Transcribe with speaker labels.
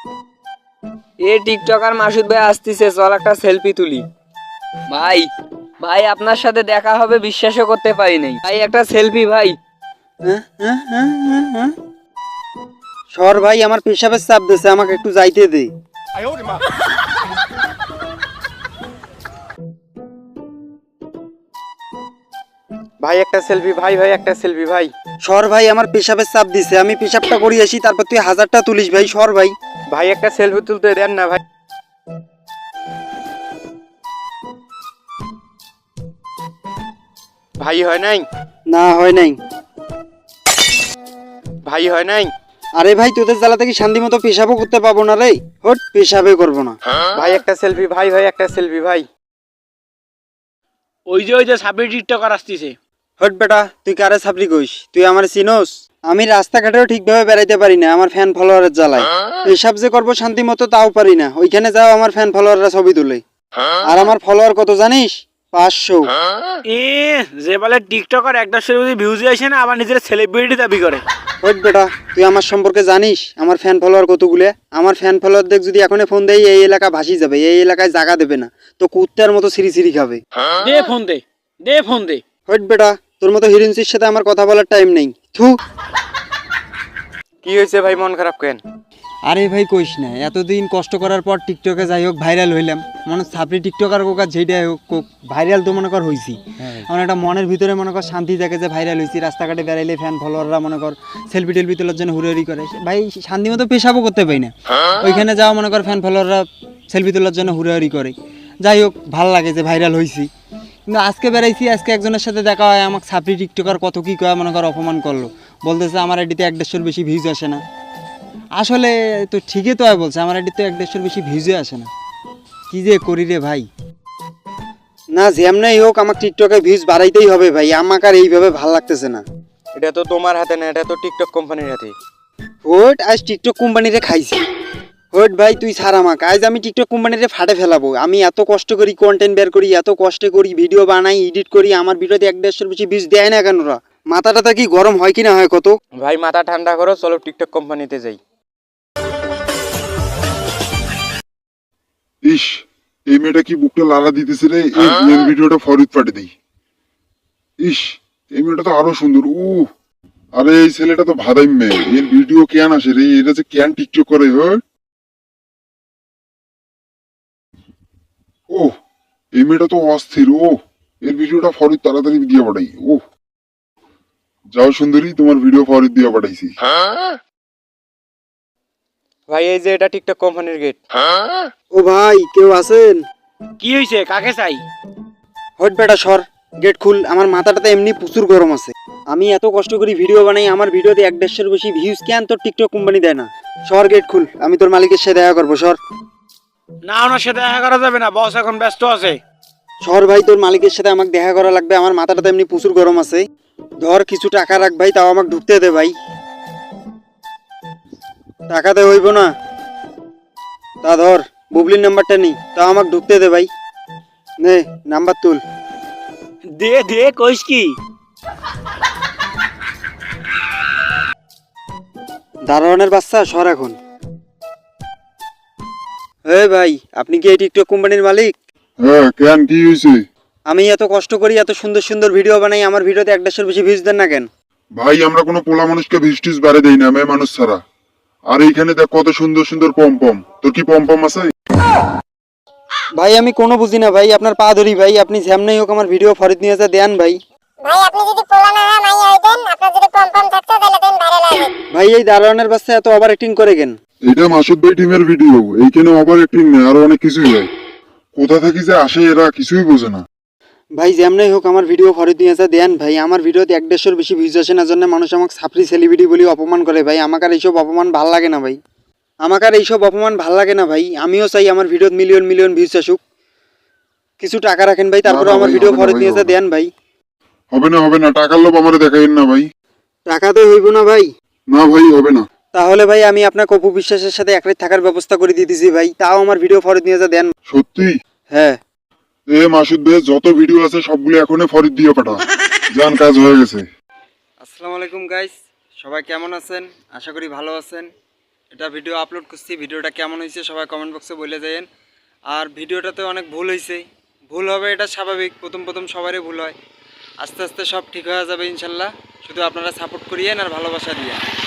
Speaker 1: এ TikToker Masud ভাই আসতেছে, চল একটা সেলফি তুলি। ভাই ভাই আপনার সাথে দেখা হবে বিশ্বাসও করতে পারি নাই ভাই, একটা সেলফি ভাই।
Speaker 2: সর ভাই, আমার পেশাবের চাপ দিছে, আমাকে একটু যাইতে দে।
Speaker 3: ভাই একটা সেলফি ভাই, ভাই একটা সেলফি ভাই।
Speaker 2: সর ভাই, আমার পেশাবের চাপ দিছে, আমি পেশাবটা করি আসি, তারপর তুই 1000টা তুলিস ভাই। সর ভাই।
Speaker 3: ভাই একটা সেলফি তুলতে দেন না ভাই। ভাই হয় নাই,
Speaker 2: না হয় নাই।
Speaker 3: ভাই হয় নাই।
Speaker 2: আরে ভাই, তোদের জ্বালা থেকে শান্তি মতো পেশাবও করতে পাবো না রে। হট, পেশাবে করবো না।
Speaker 3: ভাই একটা সেলফি ভাই, ভাই একটা সেলফি ভাই।
Speaker 4: ওই যে সাপের টিকটকার আসতেছে।
Speaker 2: হট বেটা, তুই কারে ছাপড়ি কইস? তুই আমার চিনোস? আমি রাস্তাঘাটেও ঠিকভাবে বেড়াইতে পারি না আমার ফ্যান ফলোয়ারের জ্বালায়। পেশাব যে করবো শান্তি মতো তাও পারি না। ওইখানে যাও আমার ফ্যান ফলোয়াররা ছবি তুলে। আর আমার ফলোয়ার কত জানিস? 500।
Speaker 4: এ যে বলে টিকটকার 1.5 ভিউজ আসে না, আবার নিজের সেলিব্রিটি দাবি করে।
Speaker 2: হট বেটা, তুই আমার সম্পর্কে জানিস আমার ফ্যান ফলোয়ার কতগুলো? আমার ফ্যান ফলোয়ার দেখ, যদি এখনই ফোন দেই এই এলাকা ভাসি যাবে, এই এলাকায় জায়গা দেবে না, তো কুত্তার মতো সিঁড়ি সিঁড়ি খাবে।
Speaker 4: দে ফোন দে, দে ফোন দে।
Speaker 2: হট বেটা, তোর মতো হিরোইনসির সাথে আমার কথা বলার টাইম নেই। থু।
Speaker 3: কি হয়েছে ভাই, মন খারাপ কেন?
Speaker 2: আরে ভাই কইস না, এতদিন কষ্ট করার পর টিকটকে যাই হোক ভাইরাল হইলাম। মনে ছাপড়ি টিকটকার কোক আর যেটাই হোক কোক, ভাইরাল তো মনে কর হইছি। আমার একটা মনের ভিতরে মনে কর শান্তি থাকে যে ভাইরাল হইছি। রাস্তাঘাটে বেড়াইলে ফ্যান ফলোয়াররা মনে কর সেলফি টেলফি তোলার জন্য হুড়োহুড়ি করে। ভাই শান্তি মতো পেশাবও করতে পারি না। ওইখানে যাওয়া মনে কর ফ্যান ফলোয়াররা সেলফি তোলার জন্য হুড়োহুড়ি করে। যাই হোক, ভাল লাগে যে ভাইরাল হইছি। কিন্তু আজকে বেড়াইছি, আজকে একজনের সাথে দেখা হয়, আমাকে ছাপড়ি টিকটকার কত কী কয় মনে কর অপমান করলো। বলতেছে আমার আইডিতে 1.5-এর বেশি ভিউজ আসে না। আসলে তো ঠিকই তো বলছে, আমার আইডিতে 1.5-এর বেশি ভিউজে আসে না। কি যে করি রে ভাই। না যেমনই হোক আমার টিকটকে ভিউজ বাড়াইতেই হবে ভাই, আমাকে আর এইভাবে ভাল লাগতেছে না।
Speaker 3: এটা তো তোমার হাতে না, এটা তো টিকটক কোম্পানির হাতে।
Speaker 2: হোট, আজ টিকটক কোম্পানিরে খাইছি। হোট ভাই, তুই ছাড় আমাকে, আজ আমি টিকটক কোম্পানিরে ফাটে ফেলাবো। আমি এত কষ্ট করি কন্টেন্ট বের করি, এত কষ্ট করি ভিডিও বানাই, এডিট করি, আমার ভিডিওতে 1.5-এর বেশি ভিউজ দেয় না কেন? ওরা মাথাটা কি গরম হয় কি না হয় কত?
Speaker 3: ভাই মাথা ঠান্ডা করো, চলো টিকটক কোম্পানিতে যাই।
Speaker 5: ইস, এই মেয়েটা কি বুকটা লালা দিতেছে রে। এই ভিডিওটা ফরিদ পাঠিয়ে দেই। ইস, এই মেয়েটা তো আরো সুন্দর। আরে এই ছেলেটা তো ভাদাই মেয়ে, এর ভিডিও কেন আসে রে? এটা যে কেন টিকটক করে? ও, এই মেয়েটা তো অস্থির। এর ভিডিওটা ফরিদ তাড়াতাড়ি দিয়ে পাঠাই। যাও সুন্দরী, তোমার ভিডিও ফরিদ দিয়ে পাঠাইছি।
Speaker 3: ভাই এই যে এটা টিকটক কোম্পানির গেট।
Speaker 2: ও ভাই, কেউ আছেন?
Speaker 4: কি হয়েছে, কাকে চাই?
Speaker 2: হট বেটা সর, গেট খুল। আমার মাথাটাতে এমনি প্রচুর গরম আছে। আমি এত কষ্ট করি ভিডিও বানাই, আমার ভিডিওতে 1.5-এর বেশি ভিউজ কেন তোর টিকটক কোম্পানি দেয় না? সর, গেট খুল, আমি তোর মালিকের সাথে দেখা করবো। সর।
Speaker 4: না, ওনার সাথে দেখা করা যাবে না, বস এখন ব্যস্ত আছে।
Speaker 2: সর ভাই, তোর মালিকের সাথে আমাকে দেখা করা লাগবে, আমার মাথাটাতে এমনি প্রচুর গরম আছে। ধর কিছু টাকা রাখ ভাই, তাও আমাকে ঢুকতে দে ভাই। টাকাতে হইব না, তা ধর বুবলির নাম্বারটা নি, তাও আমাকে ঢুকতে দে ভাই। নে নাম্বার তুল।
Speaker 4: দে দে, কইস কি?
Speaker 2: দারোয়ানের বাচ্চা, সর এখন। ভাই, আপনি কি এই টিকটক কোম্পানির মালিক?
Speaker 5: হ্যাঁ, কেন কি হয়েছে?
Speaker 2: আমি এত কষ্ট করি, এত সুন্দর সুন্দর ভিডিও বানাই, আমার ভিডিওতে 1.5-এর বেশি ভিউজ দেন না কেন?
Speaker 5: ভাই আমরা কোনো পোলা মানুষকে ভিস্টিস বাড়ে দেই না, মেয়ে মানুষ ছাড়া। আর এইখানে দেখ কত সুন্দর সুন্দর পম পম। তোর কি পম পম আছে?
Speaker 2: ভাই আমি কোনো বুঝি না ভাই, আপনার পা ধরি ভাই, আপনি যেমনই হোক আমার ভিডিও ফরিদ নিয়ে যা দেন ভাই।
Speaker 6: ভাই আপনি যদি পোলা না হয় মাইয়া হইতেন, আপনার যদি পম থাকতো তাহলে দেন ভাইরাল হবে।
Speaker 2: ভাই এই দারোয়ানের বাচ্চা এত ওভার অ্যাক্টিং করে কেন?
Speaker 5: এটা মাসুদ ভাই টিমের ভিডিও, এইখানে ওভার অ্যাক্টিং নেই, আরো অনেক কিছুই হয়। কোথা থেকে যে আসে এরা কিছুই বোঝে না।
Speaker 2: ভাই যেমনই হোক আমার ভিডিও ফরিদ নিয়ে যা দেন ভাই, আমার ভিডিওতে 1.5-এর বেশি ভিউজ আসে না, জন্য মানুষ আমাকে ছাপড়ি সেলিব্রিটি বলে অপমান করে ভাই। আমাকে আর এইসব অপমান ভাল লাগে না ভাই, আমাকে আর এইসব অপমান ভাল লাগে না ভাই। আমিও চাই আমার ভিডিওত মিলিয়ন মিলিয়ন ভিউজ আসুক। কিছু টাকা রাখেন ভাই, তারপরে আমার ভিডিও ফরিদ নিয়ে যা দেন ভাই।
Speaker 5: হবে না, টাকার লোভ আমারে দেখাইন না ভাই।
Speaker 2: টাকাতে হইব না ভাই?
Speaker 5: না ভাই, হবে না।
Speaker 2: তাহলে ভাই আমি আপনার কপু বিশ্বাসের সাথে এক রাত থাকার ব্যবস্থা করে দিতেছি ভাই, তাও আমার ভিডিও ফরিদ নিয়ে যা দেন।
Speaker 5: সত্যি?
Speaker 2: হ্যাঁ।
Speaker 5: মাসুদ ভাই যত ভিডিও আছে সবগুলো এখনই ফরিদ দিয়ে পাঠা। জান, কাজ হয়ে গেছে।
Speaker 2: আসসালামু আলাইকুম গাইস, সবাই কেমন আছেন? আশা করি ভালো আছেন। এটা ভিডিও আপলোড করছি, ভিডিওটা কেমন হয়েছে সবাই কমেন্ট বক্সে বলে যাবেন। আর ভিডিওটাতে অনেক ভুল হয়েছে, ভুল হবে এটা স্বাভাবিক, প্রথম প্রথম সবারই ভুল হয়, আস্তে আস্তে সব ঠিক হয়ে যাবে ইনশাল্লাহ। শুধু আপনারা সাপোর্ট করিয়েন আর ভালোবাসা দিয়ে।